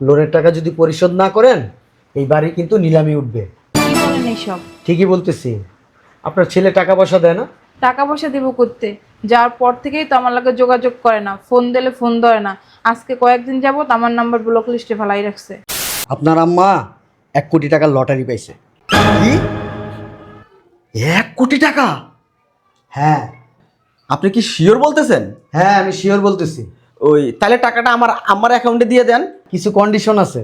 লোনের টাকা যদি পরিশোধ না করেন এই বাড়ি কিন্তু নিলামি উঠবে। কি বলেন এইসব? ঠিকই বলতেছি। আপনার ছেলে টাকা পয়সা দেয় না? টাকা পয়সা দিব করতে যাওয়ার পর থেকেই তো আমার লাগে যোগাযোগ করে না, ফোন দিলে ফোন ধরে না। আজকে কয়েকদিন যাবত আমার নাম্বার ব্লক লিস্টে ফেলাই রাখছে। আপনার আম্মা 1 কোটি টাকার লটারি পাইছে। কি 1 কোটি টাকা? হ্যাঁ আপনি কি শিওর বলতেছেন? হ্যাঁ, আমি শিওর বলতেছি। ওই তাহলে টাকাটা আমার অ্যাকাউন্টে দিয়ে দেন। কিছু কন্ডিশন আছে।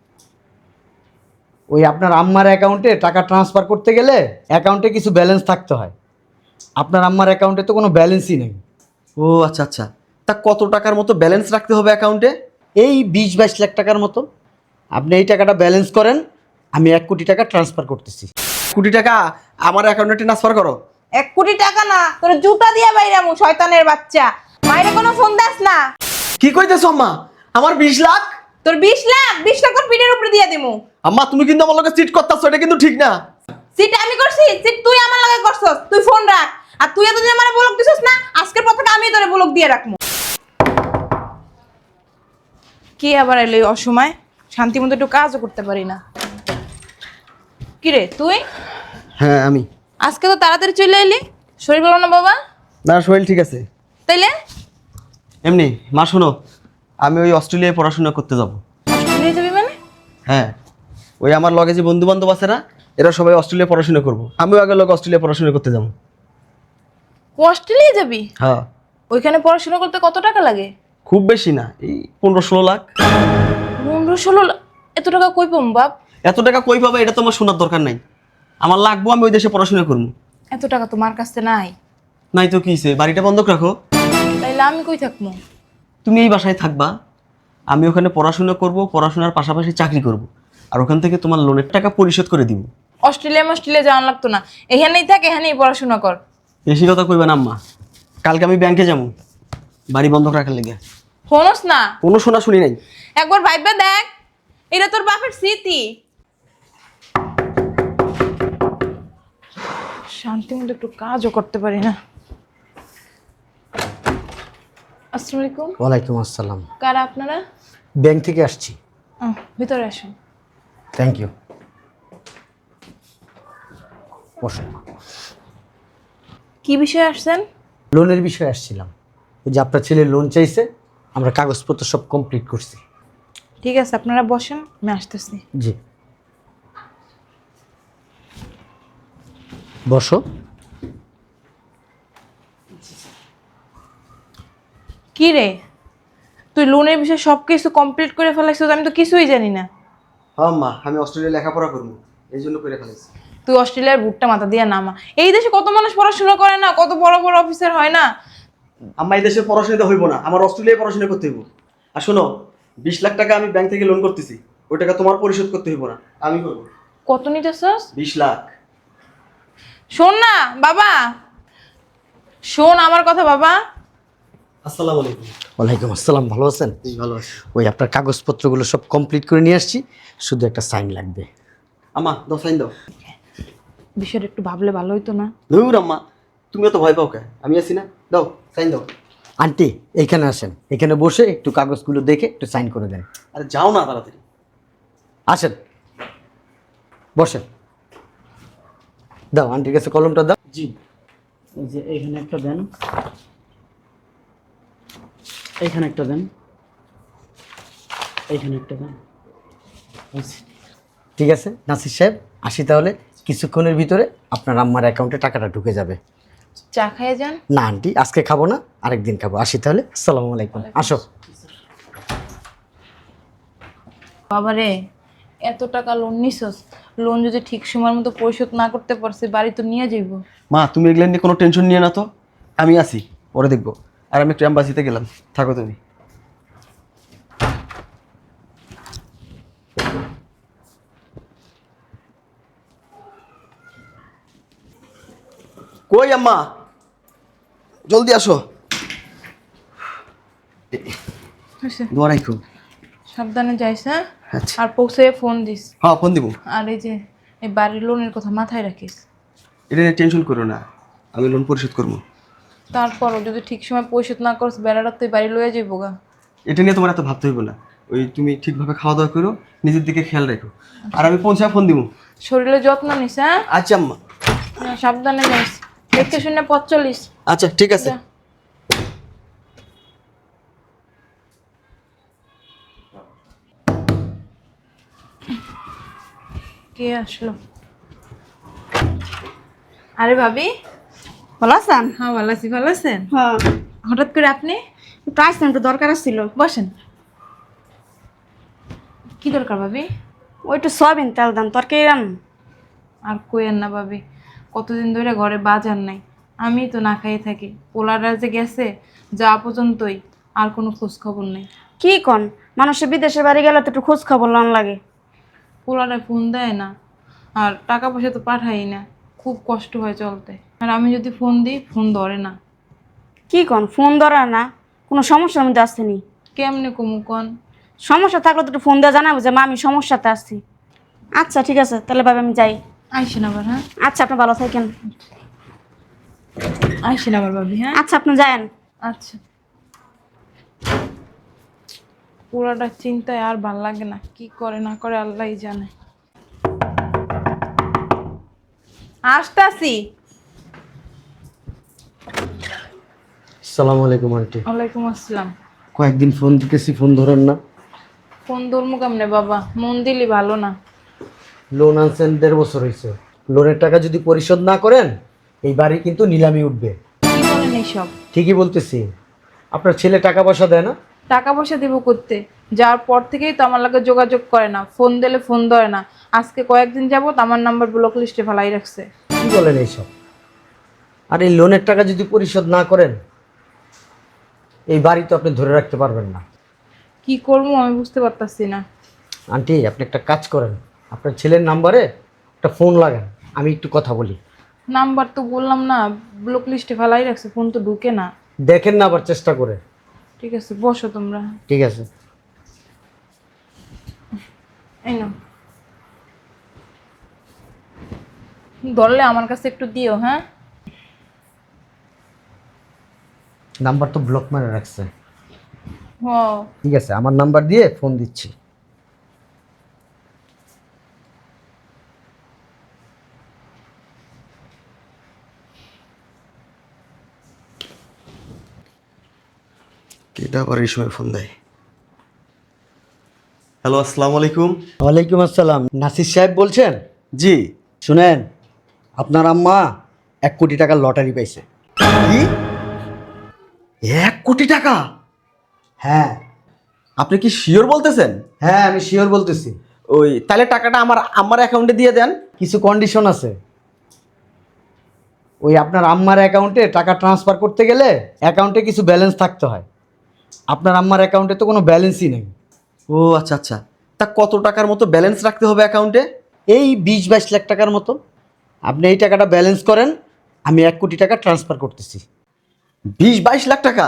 ওই আপনার আম্মার অ্যাকাউন্টে টাকা ট্রান্সফার করতে গেলে অ্যাকাউন্টে কিছু ব্যালেন্স থাকতে হয়। আপনার আম্মার অ্যাকাউন্টে তো কোনো ব্যালেন্সই নেই। ও আচ্ছা আচ্ছা, তা কত টাকার মতো ব্যালেন্স রাখতে হবে অ্যাকাউন্টে? এই 20-22 লাখ টাকার মতো। আপনি এই টাকাটা ব্যালেন্স করেন, আমি 1 কোটি টাকা ট্রান্সফার করতেছি। কোটি টাকা আমার অ্যাকাউন্টে ট্রান্সফার করো। 1 কোটি টাকা না, তোর জুতা দিয়ে বাইরামু শয়তানের বাচ্চা। মাইরে কোনো ফোন দাস না। কি কইতেছো আম্মা? আমার 20 লাখ? তোর 20 লাখ তোর পিঠের উপরে দিয়ে দিমু। আম্মা তুমি কিন্তু আমার লগে চিট করতেছো, এটা কিন্তু ঠিক না। সিট আমি করছি, সিট তুই আমার লাগে করছস। তুই ফোন রাখ। আর তুই এতদিন আমারে ব্লক দিছস না, আজকের পর থেকে আমি তোরে ব্লক দিয়ে রাখমু। কি আবার এলো এই অসময়? শান্তি মতো একটু কাজও করতে পারি না। কি রে তুই? হ্যাঁ আমি। আজকে তো তাড়াতাড়ি চলে এলি, শরীর ভালো না বাবা? না, শরীর ঠিক আছে। তাইলে এমনি মা শোনো, আমি ওই অস্ট্রেলিয়ায় পড়াশোনা করতে যাব। অস্ট্রেলিয়া যাবি মানে? হ্যাঁ, ওই আমার লগে যে বন্ধু বান্ধব আছে না, এরা সবাই অস্ট্রেলিয়া পড়াশোনা করবো। আমিও আগে লগে অস্ট্রেলিয়া পড়াশোনা করতে যাবো। অস্ট্রেলিয়া যাবি? হ্যাঁ। ওইখানে পড়াশোনা করতে কত টাকা লাগে? খুব বেশি না, এই 15-16 লাখ। 15-16 লাখ? এত টাকা কই পাম বাপ? এত টাকা কই পাবে এটা তোমার শোনার দরকার নাই। আমার লাগবো, আমি ওই দেশে পড়াশোনা করবো। এত টাকা তোমার কাছে নাই? নাই তো কি হইছে, বাড়িটা বন্ধক রাখো। তাইলে আমি কই থাকবো? তুমি এই বাসায় থাকবা, আমি ওখানে পড়াশোনা করব, পড়াশোনার পাশাপাশি চাকরি করব, আর ওখান থেকে তোমার লোনের টাকা পরিশোধ করে দিব। অস্ট্রেলিয়া যাওয়ান লাগতো না, এখানেই থাক, এখানেই পড়াশোনা কর। বেশি কথা কইবা না আম্মা, কালকে আমি ব্যাংকে যাবো বাড়ি বন্ধক রাখার লেগে। শোনস না? কোনো শোনা শুনি নাই। একবার ভাইবা দেখ, এটা তোর বাপের স্মৃতি। শান্তি মতো একটু কাজও করতে পারি না। আসসালামু আলাইকুম। ওয়ালাইকুম আসসালাম। কারা আপনারা? ব্যাংক থেকে আসছি। ভিতরে আসুন। Thank you. বসুন। কি বিষয়ে আসছেন? লোনের বিষয়ে আসছিলাম। ওই যে আপনার ছেলে লোন চাইছে, আমরা কাগজপত্র সব কমপ্লিট করছি। ঠিক আছে, আপনারা বসেন, আমি আসতেছি। জি, বসো। কি রে, তুই লোনের বিষয়ে সব কিছু কমপ্লিট করে ফেলাইছিস? আমি তো কিছুই জানি না। হ্যাঁ আম্মা, আমি অস্ট্রেলিয়া লেখাপড়া করবো, এই জন্য করে ফেলেছি। তুই অস্ট্রেলিয়ার বুটটা মাথা দিয়ে নামা। এই দেশে কত মানুষ পড়াশোনা করে না, কত বড় বড় অফিসার হয় না। আম্মা এই দেশে পড়াশোনাতে হইব না, আমার অস্ট্রেলিয়ায় পড়াশোনা করতে হইব। আর শোনো, 20 লাখ টাকা আমি ব্যাংক থেকে লোন করতেছি, ওই টাকা তোমার পরিশোধ করতে হইব না, আমি করবো। কত নিতেছস? 20 লাখ। শোন না বাবা, শোন আমার কথা বাবা। আসসালামু আলাইকুম। ওয়ালাইকুম আসসালাম। ভালো আছেন? ভালো আছি। ওই আপনার কাগজপত্রগুলো সব কমপ্লিট করে নিয়ে আসছি, শুধু একটা সাইন লাগবে। আম্মা দাও, সাইন দাও। বিষয়টা একটু ভাবলে ভালো হইতো না? ধুর আম্মা, তুমিও তো ভয় পাও কে? আমি আছি না, দাও সাইন দাও। আন্টি এইখানে আসেন, এখানে বসে একটু কাগজগুলো দেখে একটু সাইন করে দেন। আরে যাও না তাড়াতাড়ি। আসেন, বসেন। দাও আন্টির কাছে কলমটা দাও। জি, এই যে এইখানে একটা দেন, এইখানে একটা দেন, এইখানে একটা দেন। ঠিক আছে নাসির সাহেব, আসি তাহলে। কিছুক্ষণের ভিতরে আপনার আম্মার অ্যাকাউন্টে টাকাটা ঢুকে যাবে। চা খাইয়ে যান। না আন্টি, আজকে খাবো না, আরেকদিন খাবো। আসি তাহলে। আসসালামু আলাইকুম। আসো। বাবারে, এত টাকা লোন নিছস, লোন যদি ঠিক সময়ের মতো পরিশোধ না করতে পারছি, বাড়ি তো নিয়ে যাইব। মা তুমি এগুলো নিয়ে কোনো টেনশন নিয়ে না তো, আমি আছি, পরে দেখবো। আর আমি একটু অ্যাম্বাসিতে গেলাম, থাকো তুমি। কই আম্মা, জলদি আসো। দোয়া রাখো। সাবধানে যাইস, হ্যাঁ? আচ্ছা। আর পৌঁছে ফোন দিস। হ্যাঁ ফোন দিব। আর এই যে এই বাড়ির লোনের কথা মাথায় রাখিস। এটা নিয়ে টেনশন করো না, আমি লোন পরিশোধ করবো। তারপরও যদি ঠিক সময় পরিশোধ না করিস, বেড়াটা তুই বাড়ি লয়ে যাইব গা। এটা নিয়ে তোমার এত ভাবতে হইব না, ওই তুমি ঠিকভাবে খাওয়া দাওয়া করো, নিজের দিকে খেয়াল রেখো। আর আমি পৌঁছায় ফোন দিব। শরীরের যত্ন নিস, হ্যাঁ? আচ্ছা আম্মা। হ্যাঁ, সাবধানে যাইস, দেখতে শুনে পথ চলিস। আচ্ছা ঠিক আছে। যা। কে আসলো? আরে ভাবি, ভালো আছেন? হ্যাঁ ভালো আছি। ভালো আছেন? হ্যাঁ, হঠাৎ করে আপনি? একটু আসছেন, একটু দরকার ছিল। বসেন। কি দরকার ভাবি? ওই একটু সয়াবিন তেল দেন, তরকারি রান। আর কইেন না ভাবি, কতদিন ধরে ঘরে বাজার নাই, আমি তো না খাইয়ে থাকি। পোলারা যে গেছে যা পর্যন্তই, আর কোনো খোঁজ খবর নেই। কি কন, মানুষের বিদেশে বাড়ি গেলে তো একটু খোঁজ খবর লন লাগে। পোলারা ফোন দেয় না, আর টাকা পয়সা তো পাঠাই না, খুব কষ্ট হয় চলতে। আর আমি যদি ফোন দিই, ফোন ধরে না। কি কন, ফোন ধরা না? কোনো সমস্যার মধ্যে আসছেনি? কেমনে কমু কন? সমস্যা থাকলে তো একটু ফোন দিয়ে জানাবো যে মা আমি সমস্যাতে আসছি। আচ্ছা ঠিক আছে, তাহলে ভাবে আমি যাই। আইসেন আবার, হ্যাঁ? আচ্ছা, আপনি ভালো থাকেন। আইসেন আবার ভাবি, হ্যাঁ? আচ্ছা, আপনি যায়েন। আচ্ছা। পুরাটা চিন্তায় আর ভাল লাগে না, কি করে না করে আল্লাহই জানে। আসতাছি। আসসালামু আলাইকুম আন্টি। ওয়ালাইকুম আসসালাম। কয়েকদিন ফোন দিতেছি, ফোন ধরেন না। ফোন ধরমু কেমনে বাবা, মন দিলি ভালো না। লোন আনছেন 1.5 বছর হয়েছে। লোনের টাকা যদি পরিশোধ না করেন, এই বাড়ি কিন্তু নিলামি উঠবে। কি বলেন এইসব? ঠিকই বলতেছি। আপনার ছেলে টাকা পয়সা দেয় না? টাকা পয়সা দিব করতে, যাওয়ার পর থেকেই তো আমার লাগে যোগাযোগ করে না, ফোন দিলে ফোন ধরে না। আজকে কয়েকদিন যাবত আমার নাম্বার ব্লক লিস্টে ফেলাই রাখছে। কি বলেন এইসব? আর এই লোনের টাকা যদি পরিশোধ না করেন, এই বাড়ি তো আপনি ধরে রাখতে পারবেন না। কি করবো আমি বুঝতে পারতাছি না। আন্টি, আপনি একটা কাজ করেন, আপনার ছেলের নাম্বারে একটা ফোন লাগান, আমি একটু কথা বলি। নাম্বার তো বললাম না, ব্লক লিস্টে ফেলাই রাখছে, ফোন তো ঢুকে না। দেখেন না আবার চেষ্টা করে। ঠিক আছে, বসো তোমরা। ঠিক আছে। এই নাও, ধরলে আমার কাছে একটু দিও, হ্যাঁ? নাম্বার তো ব্লক মারে রাখছে। হ। ঠিক আছে, আমার নাম্বার দিয়ে ফোন দিচ্ছি। কেটা আবার এই সময় ফোন দেয়? হ্যালো, আসসালামু আলাইকুম। ওয়ালাইকুম আসসালাম। নাসির সাহেব বলছেন? জি। শুনেন, আপনার আম্মা 1 কোটি টাকার লটারি পাইছে। কি? 1 কোটি টাকা? হ্যাঁ আপনি কি শিওর বলতেছেন? হ্যাঁ, আমি শিওর বলতেছি। ওই তাহলে টাকাটা আমার অ্যাকাউন্টে দিয়ে দেন। কিছু কন্ডিশন আছে। ওই আপনার আম্মার অ্যাকাউন্টে টাকা ট্রান্সফার করতে গেলে অ্যাকাউন্টে কিছু ব্যালেন্স থাকতে হয়। আপনার আম্মার অ্যাকাউন্টে তো কোনো ব্যালেন্সই নেই। ও আচ্ছা আচ্ছা। তা কত টাকার মতো ব্যালেন্স রাখতে হবে অ্যাকাউন্টে? এই 20-22 লাখ টাকার মতো। আপনি এই টাকাটা ব্যালেন্স করেন, আমি 1 কোটি টাকা ট্রান্সফার করতেছি। 20-22 লাখ টাকা?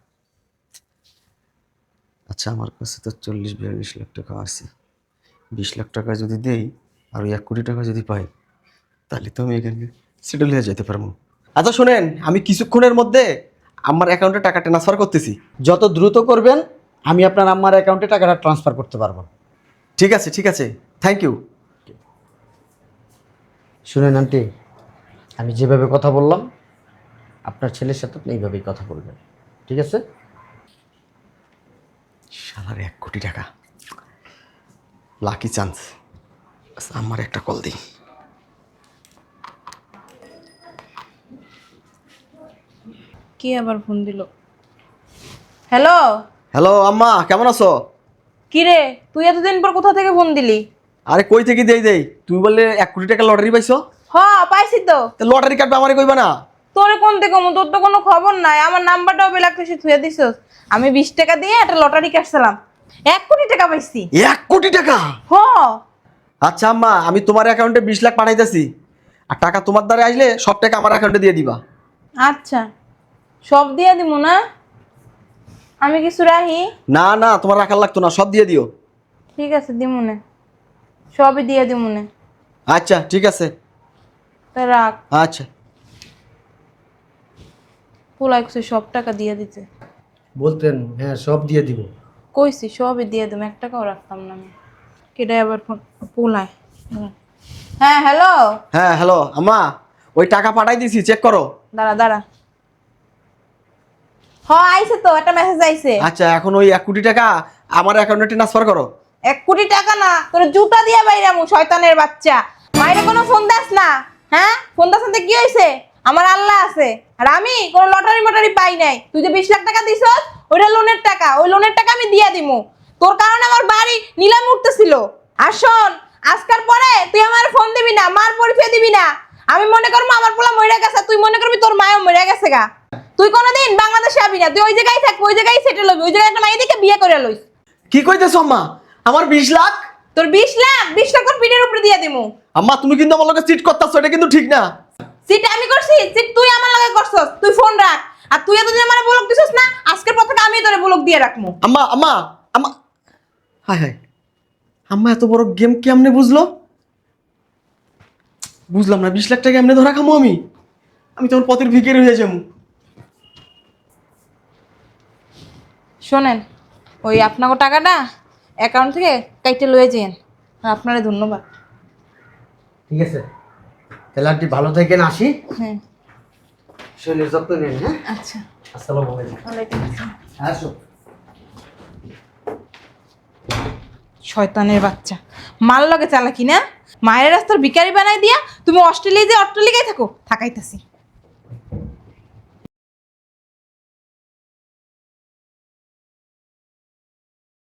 আচ্ছা, আমার কাছে তো 40-42 লাখ টাকা আছে। 20 লাখ টাকা যদি দেই আর ওই 1 কোটি টাকা যদি পাই, তাহলে তো আমি এখানে সেটেল হয়ে যেতে পারবো। আচ্ছা শোনেন, আমি কিছুক্ষণের মধ্যে আমার অ্যাকাউন্টে টাকা ট্রান্সফার করতেছি। যত দ্রুত করবেন, আমি আপনার আম্মার অ্যাকাউন্টে টাকাটা ট্রান্সফার করতে পারবো। ঠিক আছে ঠিক আছে, থ্যাংক ইউ। শুনেন আন্টি, আমি যেভাবে কথা বললাম, আপনার ছেলের সাথে আপনি এইভাবেই কথা বলবেন, ঠিক আছে? শালার 1 কোটি টাকা, লাকি চান্স। আমার একটা কল দিই। কি আবার ফোন দিল? হ্যালো। হ্যালো আম্মা, কেমন আছো? কি রে, তুই এতদিন পর কোথা থেকে ফোন দিলি? আরে কই থেকে দেই তুমি বললে 1 কোটি টাকা লটারি পাইছো। হ, পাইছি তো। লটারি কাটবে আমারে কইবা না? তোরে কোন থেকে কমু, তোর তো কোনো খবর নাই। আমার নাম্বারটাও বেলাক এসে থুয়ে দিছস। আমি 20 টাকা দিয়ে একটা লটারি কাটছিলাম, 1 কোটি টাকা পাইছি। 1 কোটি টাকা? হ। আচ্ছা আম্মা, আমি তোমার অ্যাকাউন্টে 20 লাখ পাঠাইতেছি, আর টাকা তোমার দ্বারা আসলে সব টাকা আমার অ্যাকাউন্টে দিয়ে দিবা। আচ্ছা, সব দিয়ে দিমু না? আমি কিছু রাহি? না না, তোমার রাখার লাগতো না, সব দিয়ে দিও। ঠিক আছে, দিমুনে, সবই দিয়ে দিমুনে। আচ্ছা ঠিক আছে। তা রাখ। আচ্ছা। পোলা একশো সব টাকা দিয়ে দিতে। বলতেন হ্যাঁ সব দিয়ে দিব, কইছি সবই দিয়ে দেবো, 1 টাকাও রাখতাম না আমি। কেটাই আবার ফোন পোলায়। হ্যাঁ হ্যালো, হ্যাঁ হ্যালো আম্মা, ওই টাকা পাঠাই দিছি, চেক করো। দাঁড়া দাঁড়া। আইছে তো, একটা মেসেজ আইছে। আচ্ছা, এখন ওই 1 কোটি টাকা আমার অ্যাকাউন্টে ট্রান্সফার করো। 1 কোটি টাকা না, তোর জুতা দিয়া বাইরামু শয়তানের বাচ্চা। মাইরে কোনো ফোন দাস না, হ্যাঁ? ফোন দাস না কি হইছে? আমার আল্লাহ আছে, আর আমি কোনো লটারি মটারি পাই নাই। তুই যে 20 লাখ টাকা দিছস, ওইটা লোনের টাকা, ওই লোনের টাকা আমি দিয়া দিমু। তোর কারণে আমার বাড়ি নিলামে উঠতেছিল। আর শোন, আজকাল পরে তুই আমার ফোন দিবি না, মার পরিচয় দিবি না। আমি মনে করবো আমার পোলা মরে গেছে, তুই মনে করবি তোর মায়ও মরে গেছে গা। তুই কোনোদিন বাংলাদেশে আবি না, তুই ওই জায়গায় থাকবি, ওই জায়গায় সেটেল হবি, ওই জায়গায় একটা মাইয়া দেখে বিয়ে করে লইস। কি কইতেছো আম্মা? আমার 20 লাখ? তোর 20 লাখ, 20 লাখ তোর পিঠের উপরে দিয়ে দিমু। আম্মা তুমি কিন্তু আমার লগে চিট করতেছো, এটা কিন্তু ঠিক না। সিট আমি করছি, সিট তুই আমার লগে করছস। তুই ফোন রাখ, আর তুই এতদিন আমারে ব্লক দিছস না, আজকের পর থেকে আমি তোরে ব্লক দিয়ে রাখমু। আম্মা আম্মা আম্মা, হায় হায়, আম্মা এত বড় গেম কেমনে বুঝলো? বুঝলাম না, 20 লাখ টাকা এমনি ধরা খামো আমি? আমি তোমার পথের ভিখারি হয়ে যাবো। শোনেন, ওই আপনাকে টাকাটা অ্যাকাউন্ট থেকে কাইটে লয়ে যেন। আর আপনারে ধন্যবাদ। ঠিক আছে, তাহলে আপনি ভালো থাকেন, আসি। হ্যাঁ শরীরের যত্ন নেন। হ্যাঁ, আচ্ছা। আসসালামু আলাইকুম। ওয়ালাইকুম আসসালাম। আসো। শয়তানের বাচ্চা, মাল লগে চালাকি না, মায়ের রাস্তার ভিখারি বানাই দিয়া তুমি অস্ট্রেলিয়া যে অট্টালিকায় থাকো, থাকাইতাছি।